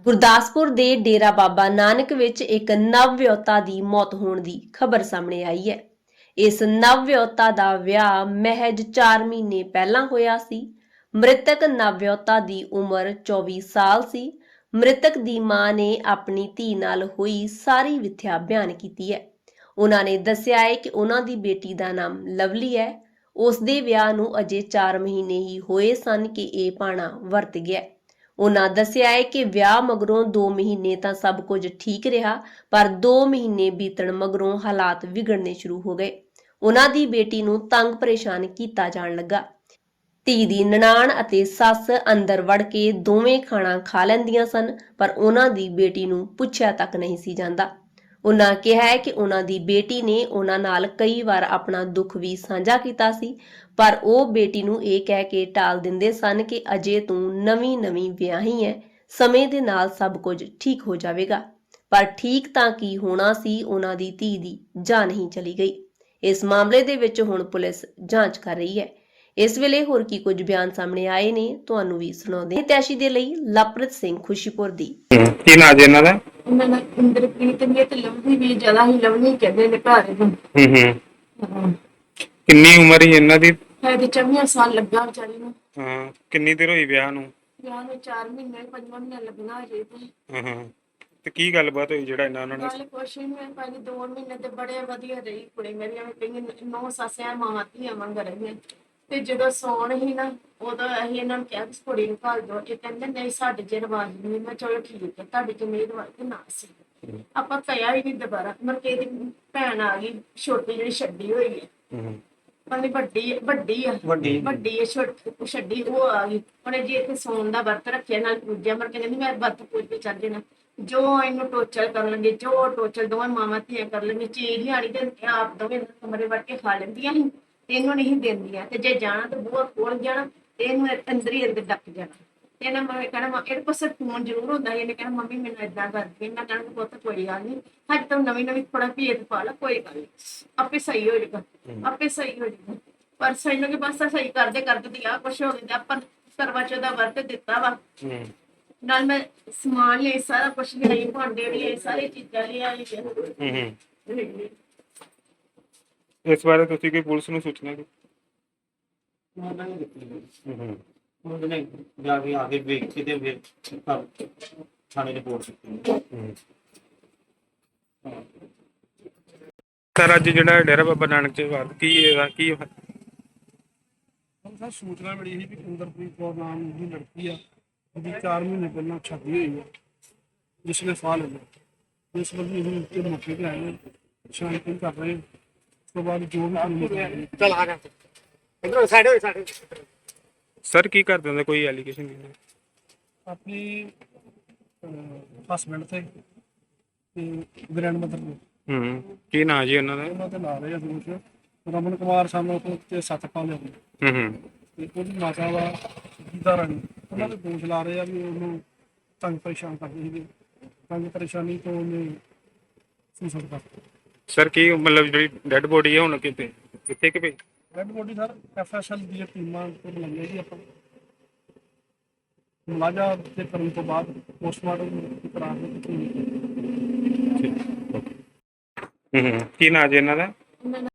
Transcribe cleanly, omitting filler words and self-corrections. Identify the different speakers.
Speaker 1: ਗੁਰਦਾਸਪੁਰ ਦੇ ਡੇਰਾ ਬਾਬਾ ਨਾਨਕ ਵਿੱਚ ਇੱਕ ਨਵ-ਵਿਆਹੁਤਾ ਦੀ ਮੌਤ ਹੋਣ ਦੀ ਖਬਰ ਸਾਹਮਣੇ ਆਈ ਹੈ। ਇਸ ਨਵ-ਵਿਆਹੁਤਾ ਦਾ ਵਿਆਹ ਮਹਿਜ 4 ਮਹੀਨੇ ਪਹਿਲਾਂ ਹੋਇਆ ਸੀ। ਮ੍ਰਿਤਕ ਨਵ-ਵਿਆਹੁਤਾ ਦੀ ਉਮਰ 24 ਸਾਲ ਸੀ। ਮ੍ਰਿਤਕ ਦੀ ਮਾਂ ਨੇ ਆਪਣੀ ਧੀ ਨਾਲ ਹੋਈ ਸਾਰੀ ਵਿਥਿਆ ਬਿਆਨ ਕੀਤੀ ਹੈ। ਉਹਨਾਂ ਨੇ ਦੱਸਿਆ ਹੈ ਕਿ ਉਹਨਾਂ ਦੀ ਬੇਟੀ ਦਾ ਨਾਮ ਲਵਲੀ ਹੈ। ਉਸ ਦੇ ਵਿਆਹ ਨੂੰ ਅਜੇ 4 ਮਹੀਨੇ ਹੀ ਹੋਏ ਸਨ ਕਿ ਇਹ ਭਾਣਾ ਵਰਤ ਗਿਆ। ਉਹਨਾਂ ਦੱਸਿਆ ਹੈ ਕਿ ਵਿਆਹ ਮਗਰੋਂ 2 ਮਹੀਨੇ ਤਾਂ ਸਭ ਕੁਝ ਠੀਕ ਰਿਹਾ, ਪਰ 2 ਮਹੀਨੇ ਬੀਤਣ ਮਗਰੋਂ ਹਾਲਾਤ ਵਿਗੜਨੇ ਸ਼ੁਰੂ ਹੋ ਗਏ। ਉਹਨਾਂ ਦੀ ਬੇਟੀ ਨੂੰ ਤੰਗ ਪਰੇਸ਼ਾਨ ਕੀਤਾ ਜਾਣ ਲੱਗਾ। ਧੀ ਦੀ ਨਨਾਣ ਅਤੇ ਸੱਸ ਅੰਦਰ ਵੜ ਕੇ ਦੋਵੇਂ ਖਾਣਾ ਖਾ ਲੈਂਦੀਆਂ ਸਨ, ਪਰ ਉਹਨਾਂ ਦੀ ਬੇਟੀ ਨੂੰ ਪੁੱਛਿਆ ਤੱਕ ਨਹੀਂ ਸੀ ਜਾਂਦਾ। ਉਹਨਾਂ ਕਿਹਾ ਹੈ ਕਿ ਉਹਨਾਂ ਦੀ ਬੇਟੀ ਨੇ ਉਹਨਾਂ ਨਾਲ ਕਈ ਵਾਰ ਆਪਣਾ ਦੁੱਖ ਵੀ ਸਾਂਝਾ ਕੀਤਾ ਸੀ, ਪਰ ਉਹ ਬੇਟੀ ਨੂੰ ਇਹ ਕਹਿ ਕੇ ਟਾਲ ਦਿੰਦੇ ਸਨ ਕਿ ਅਜੇ ਤੂੰ ਨਵੀਂ ਵਿਆਹੀ ਹੈ, ਸਮੇਂ ਦੇ ਨਾਲ ਸਭ ਕੁਝ ਠੀਕ ਹੋ ਜਾਵੇਗਾ। ਪਰ ਠੀਕ ਤਾਂ ਕੀ ਹੋਣਾ ਸੀ, ਉਹਨਾਂ ਦੀ ਧੀ ਦੀ ਜਾਨ ਹੀ ਚਲੀ ਗਈ। ਇਸ ਮਾਮਲੇ ਦੇ ਵਿੱਚ ਹੁਣ ਪੁਲਿਸ ਜਾਂਚ ਕਰ ਰਹੀ ਹੈ। ਇਸ ਵੇਲੇ ਹੋਰ ਕੀ ਕੁਝ ਬਿਆਨ ਸਾਹਮਣੇ ਆਏ ਨੇ, ਤੁਹਾਨੂੰ ਵੀ ਸੁਣਾਉਂਦੇ ਹਾਂ। ਤੈਸ਼ੀ ਦੇ ਲਈ ਲਵਪ੍ਰੀਤ ਸਿੰਘ, ਖੁਸ਼ੀਪੁਰ ਦੀ।
Speaker 2: ਕੀ ਨਾਂ ਜੀ ਇਹਨਾਂ ਦਾ?
Speaker 3: ਉਹਨਾਂ ਦਾ ਇੰਦਰਪ੍ਰੀਤ ਨੇ ਤੇ ਲਵਲੀ ਵੀ ਜ਼ਿਆਦਾ ਹੀ ਲਵਲੀ ਕਹਿੰਦੇ ਨੇ ਘਰ ਨੂੰ। ਹਾਂ
Speaker 2: ਕਿੰਨੀ ਉਮਰ ਹੀ ਇਹਨਾਂ ਦੀ?
Speaker 3: ਹੈ ਤੇ 24 ਸਾਲ ਲੱਗਾ ਵਿਚਾਰੀ ਨੂੰ।
Speaker 2: ਹਾਂ, ਕਿੰਨੀ ਦੇਰ ਹੋਈ ਵਿਆਹ ਨੂੰ?
Speaker 3: ਵਿਆਹ ਨੂੰ 4 ਮਹੀਨੇ 5 ਮਹੀਨੇ ਲੱਗਣਾ ਅਜੇ ਤੇ।
Speaker 2: ਤੇ ਕੀ ਗੱਲਬਾਤ ਹੋਈ ਜਿਹੜਾ ਇਹਨਾਂ ਨੇ?
Speaker 3: ਗੱਲ ਕੁਛ ਨਹੀਂ, ਮੈਂ ਪਹਿਲੇ 2 ਮਹੀਨੇ ਤੇ ਬੜੇ ਵਧੀਆ ਰਹੀ ਕੁੜੀ ਮੇਰੀ, ਐਵੇਂ ਕਈ 9 ਸਾਸਿਆਂ ਮਾਵਾਂ ਧੀਆਂ ਵਾਂਗ ਰਹੀਆਂ। ਤੇ ਜਦੋਂ ਸੌਣ ਹੀ ਨਾ, ਉਦੋਂ ਅਸੀਂ ਇਹਨਾਂ ਨੂੰ ਕਿਹਾ ਕਿ ਕੁੜੀ ਨੂੰ ਘੱਲ ਦਿਓ। ਇਹ ਕਹਿੰਦੇ ਨਹੀਂ, ਸਾਡੇ ਚ ਰਿਵਾਜ ਨਹੀਂ। ਮੈਂ ਚਲੋ ਠੀਕ ਹੈ, ਤੁਹਾਡੇ ਚ ਨਹੀਂ ਰਿਵਾਜ ਤੇ ਨਾ ਸੀ। ਆਪਾਂ ਕਹਿਆ ਹੀ ਨਹੀਂ ਦੁਬਾਰਾ। ਮਰ ਕੇ ਦੀ ਭੈਣ ਆ ਗਈ ਛੋਟੀ, ਜਿਹੜੀ ਛੱਡੀ ਹੋਈ ਹੈ। ਉਹਨੇ ਵੱਡੀ ਹੈ, ਛੱਡੀ ਉਹ ਆ ਗਈ। ਉਹਨੇ ਜੀ ਇੱਥੇ ਸੌਣ ਦਾ ਵਰਤ ਰੱਖਿਆ, ਨਾਲ ਪੂਜਿਆ। ਮਰ ਕੇ ਕਹਿੰਦੀ ਮੈਂ ਵਰਤ ਪੂਜ ਕੇ ਚੱਲ ਜਾਣਾ। ਜੋ ਇਹਨੂੰ ਟੋਚਰ ਕਰ ਲੈਂਦੇ, ਜੋ ਟੋਚਰ ਦੋਵੇਂ ਮਾਵਾਂ ਧੀਆਂ ਕਰ ਲੈਂਦੇ। ਚੀਜ਼ ਲਿਆਣੀ ਤੇ ਆਪ ਦੋਵੇਂ ਕਮਰੇ ਵੜ ਕੇ ਖਾ ਲੈਂਦੀਆਂ ਸੀ, ਤੇ ਇਹਨੂੰ ਨਹੀਂ ਦਿੰਦੀਆਂ। ਤੇ ਜੇ ਜਾਣਾ ਤੇ ਬੂਹਾ ਖੋਲ ਜਾਣਾ, ਤੇ ਇਹਨੂੰ ਅੰਦਰ ਹੀ ਅੰਦਰ ਡੱਕ ਜਾਣਾ। ਤੇ ਇਹਨਾਂ ਮੈਂ ਕਹਿਣਾ ਇਹਦੇ ਕੋਲ ਫੋਨ ਜ਼ਰੂਰ ਹੁੰਦਾ। ਇਹਨੇ ਕਹਿਣਾ ਮੰਮੀ ਮੈਨੂੰ ਏਦਾਂ ਕਰਦੀ। ਮੈਂ ਕਹਿਣਾ ਪੁੱਤ ਕੋਈ ਗੱਲ ਨਹੀਂ, ਹਜੇ ਤਾਂ ਨਵੀਂ ਥੋੜਾ ਭੇਦ ਪਾ ਲਾ, ਕੋਈ ਗੱਲ ਨਹੀਂ, ਆਪੇ ਸਹੀ ਹੋ ਜਾਏਗਾ, ਆਪੇ ਸਹੀ ਹੋ ਜਾਏਗਾ। ਪਰ ਸਹੀ ਨੂੰ ਕਿ ਬਸ ਸਹੀ ਕਰਦੇ ਦੀ ਆ ਕੁਛ ਹੋ ਗਿਆ। ਆਪਾਂ ਕਰਵਾ ਚੌਥ ਦਾ ਵਰਤ ਦਿੱਤਾ ਵਾ, ਨਾਲ ਮੈਂ ਸਮਾਨ ਲਿਆ, ਸਾਰਾ ਕੁਛ ਲਿਆਈ, ਭਾਂਡੇ ਲਿਆਏ, ਸਾਰੀ ਚੀਜ਼ਾਂ ਲਿਆਈ।
Speaker 2: ਇਸ ਬਾਰੇ ਤੁਸੀਂ ਕੋਈ ਪੁਲਿਸ ਨੂੰ ਸੂਚਨਾ ਦਿੱਤੀ?
Speaker 4: ਉਹਨੇ ਜਾ ਕੇ ਆ ਕੇ ਵੇਖ ਕੇ ਤੇ ਫਿਰ ਥਾਣੇ ਰਿਪੋਰਟ ਕੀਤੀ।
Speaker 2: ਸਰ, ਅੱਜ ਜਿਹੜਾ ਡੇਰਾ ਬਾਬਾ ਨਾਨਕ ਚ ਵਾਰ ਕੀ ਇਹਦਾ ਕੀ
Speaker 5: ਸਰ ਸੂਚਨਾ ਮਿਲੀ ਸੀ ਕਿ ਇੰਦਰਪ੍ਰੀਤ ਕੌਰ ਨਾਮ ਦੀ ਲੜਕੀ ਆ, ਜਿਹਦੀ 4 ਮਹੀਨੇ ਪਹਿਲਾਂ ਸ਼ਾਦੀ ਹੋਈ ਹੈ, ਜਿਸ ਨੇ ਸਾਹ ਲਿਆ। ਇਸ ਵਕਤ ਅਸੀਂ ਉੱਤੇ ਮੌਕੇ ਤੇ ਆਏ ਹਾਂ, ਛਾਣਬੀਣ ਕਰ ਰਹੇ ਹਾਂ। ਉਸ ਤੋਂ ਬਾਅਦ ਜੋ ਵੀ
Speaker 4: ਚਲ ਆ ਜਾ ਇਧਰ ਸਾਈਡ ਹੋਏ ਸਾਡੇ।
Speaker 2: ਸਰ ਕੀ ਕਰਦੇ ਹੁੰਦੇ, ਕੋਈ ਐਲੀਗੇਸ਼ਨ ਨਹੀਂ?
Speaker 5: ਆਪਣੀ ਹਸਬੈਂਡ ਤੇ ਗ੍ਰੈਂਡ ਮਦਰ ਨੂੰ,
Speaker 2: ਕੀ ਨਾਂ ਜੀ ਉਹਨਾਂ ਦਾ?
Speaker 5: ਉਹਨਾਂ ਤੇ ਲਾ ਰਹੇ ਆ ਦੋਸ਼। ਰਮਨ ਕੁਮਾਰ ਸਾਨੂੰ ਤੇ ਸਤਪਾਲ ਨੇ ਤੇ ਉਹਦੀ ਮਾਤਾ ਵਾ ਗੀਤਾ ਰਾਣੀ, ਉਹਨਾਂ ਦੇ ਦੋਸ਼ ਲਾ ਰਹੇ ਆ ਵੀ ਉਹਨੂੰ ਤੰਗ ਪਰੇਸ਼ਾਨ ਕਰਦੇ ਸੀਗੇ। ਤੰਗ ਪਰੇਸ਼ਾਨੀ ਤੋਂ ਉਹਨੇ ਸੁਸਾਈਡ ਕਰ ਦਿੱਤਾ।
Speaker 2: ਸਰ ਕੀ ਮਤਲਬ ਜਿਹੜੀ ਡੈਡ ਬੋਡੀ ਹੈ ਹੁਣ ਕਿੱਥੇ ਕਿ ਭਈ?
Speaker 5: ਰੈੱਡ ਬੋਡੀ ਸਰ FSL ਦੀਆਂ ਟੀਮਾਂ ਤੋਂ ਬੁਲਾਈਆਂ ਜੀ ਆਪਾਂ। ਮੁਲਾਜ਼ਾ ਤੇ ਕਰਨ ਤੋਂ ਬਾਅਦ ਪੋਸਟਮਾਰਟਮ ਕਰਾ ਕੇ
Speaker 2: ਕੀ ਨਾਂ ਜੀ ਇਹਨਾਂ ਦਾ?